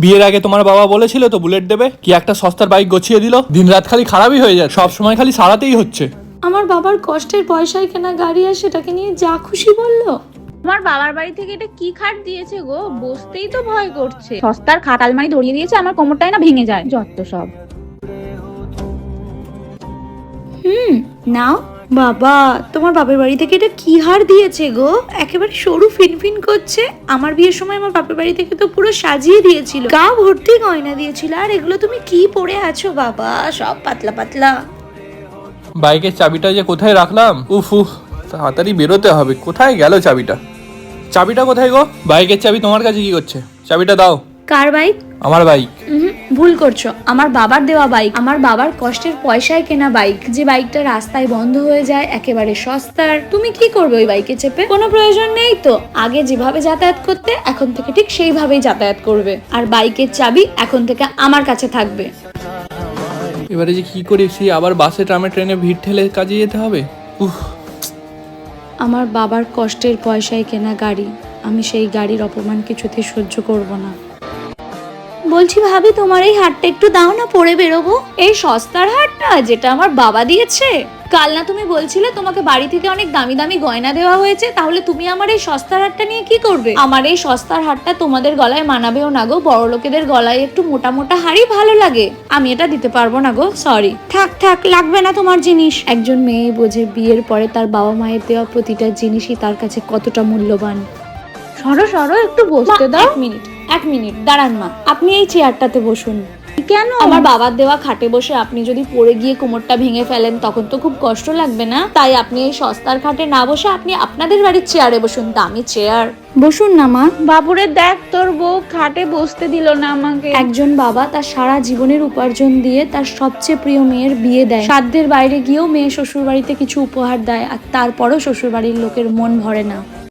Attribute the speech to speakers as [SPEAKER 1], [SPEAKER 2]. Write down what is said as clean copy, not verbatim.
[SPEAKER 1] বিয়ের আগে তোমার বাবা বলেছিল তো বুলেট দেবে, কি একটা সস্তার বাইক গছিয়ে দিল, দিন রাত খালি খারাপই হয়ে যায়, সব সময় খালি সারাতেই হচ্ছে।
[SPEAKER 2] আমার বাবার কষ্টের পয়সায় কেনা গাড়ি আর সেটাকে নিয়ে যা খুশি বললো।
[SPEAKER 3] আমার বাবার বাড়ি থেকে এটা কি খাট দিয়েছে গো, বসতেই তো ভয় করছে। সস্তার খাট আলমারি ধরিয়ে দিয়েছে, আমার কোমরটাই না ভেঙে যায় যত সব।
[SPEAKER 2] নাও বাবা, তোমার বাপের বাড়ি থেকে এটা কি হার দিয়েছে গো, একেবারে সরু ফিনফিন করছে। আমার বিয়ের সময় আমার বাপের বাড়ি থেকে তো পুরো সাজিয়ে দিয়েছিল, গা ভর্তি গয়না দিয়েছিল। আর এগুলো তুমি কি পরে আছো বাবা, সব পাতলা পাতলা।
[SPEAKER 1] বাইকের চাবিটা যে কোথায় রাখলাম, উফ তাড়াতাড়ি বেরোতে হবে। কোথায় গেল চাবিটা? চাবিটা কোথায় গো? বাইকের চাবি তোমার কাছে কি করছে? চাবিটা দাও।
[SPEAKER 2] কার বাইক?
[SPEAKER 1] আমার বাইক।
[SPEAKER 2] ভুল করছো, আমার বাবার দেওয়া বাইক, আমার বাবার কষ্টের পয়সায় কেনা বাইক, যে বাইকটা রাস্তায় বন্ধ হয়ে যায়, একেবারে সস্তার। তুমি কি করবে ওই বাইকে চেপে? কোনো প্রয়োজন নেই তো। আগে যেভাবে যাতায়াত করতে, এখন থেকে ঠিক সেইভাবেই যাতায়াত করবে। আর বাইকের চাবি এখন থেকে আমার কাছে থাকবে।
[SPEAKER 1] এবারে যে কি করি, সেই আবার বাসে ট্রামে ট্রেনে ভিড় ঠেলে কাজে যেতে হবে। উফ।
[SPEAKER 2] আমার বাবার কষ্টের পয়সায় কেনা গাড়ি, আমি সেই গাড়ির অপমান কিছুতে সহ্য করব না। বলছি ভাবি, তোমার এই হারটা একটু দাও না, পরে বেরোবো। এই সস্তার হারটা যেটা আমার বাবা দিয়েছে? কাল না তুমি বলছিলে তোমাকে বাড়ি থেকে অনেক দামি দামি গয়না দেওয়া হয়েছে, তাহলে তুমি আমার এই সস্তার হারটা নিয়ে কি করবে? আমার এই সস্তার হারটা তোমাদের গলায় মানাবেও না গো, বড় লোকেদের গলায় একটু মোটা মোটা হারই ভালো লাগে। আমি এটা দিতে পারবো না গো, সরি। থাক থাক, লাগবে না তোমার জিনিস। একজন মেয়ে বোঝে বিয়ের পরে তার বাবা মায়ের দেওয়া প্রতিটা জিনিসই তার কাছে কতটা মূল্যবান।
[SPEAKER 3] সরো সরো, একটু বসতে দাও।
[SPEAKER 2] এক মিনিট দাঁড়ান মা, আপনি এই চেয়ারটাতে বসুন।
[SPEAKER 3] কেন?
[SPEAKER 2] আমার বাবার দেওয়া খাটে বসে আপনি যদি পড়ে গিয়ে কোমরটা ভেঙে ফেলেন, তখন তো খুব কষ্ট লাগবে না? তাই আপনি এই সস্তার খাটে না বসে আপনি আপনাদের বাড়ির চেয়ারে বসুন, দামি চেয়ার। বসুন না মা।
[SPEAKER 3] বাবুরে দেখ, তোর বউ খাটে বসতে দিল না আমাকে।
[SPEAKER 2] একজন বাবা তার সারা জীবনের উপার্জন দিয়ে তার সবচেয়ে প্রিয় মেয়ের বিয়ে দেয়, সাধ্যের বাইরে গিয়েও মেয়ে শ্বশুর বাড়িতে কিছু উপহার দেয়, আর তারপরও শ্বশুর বাড়ির লোকের মন ভরে না।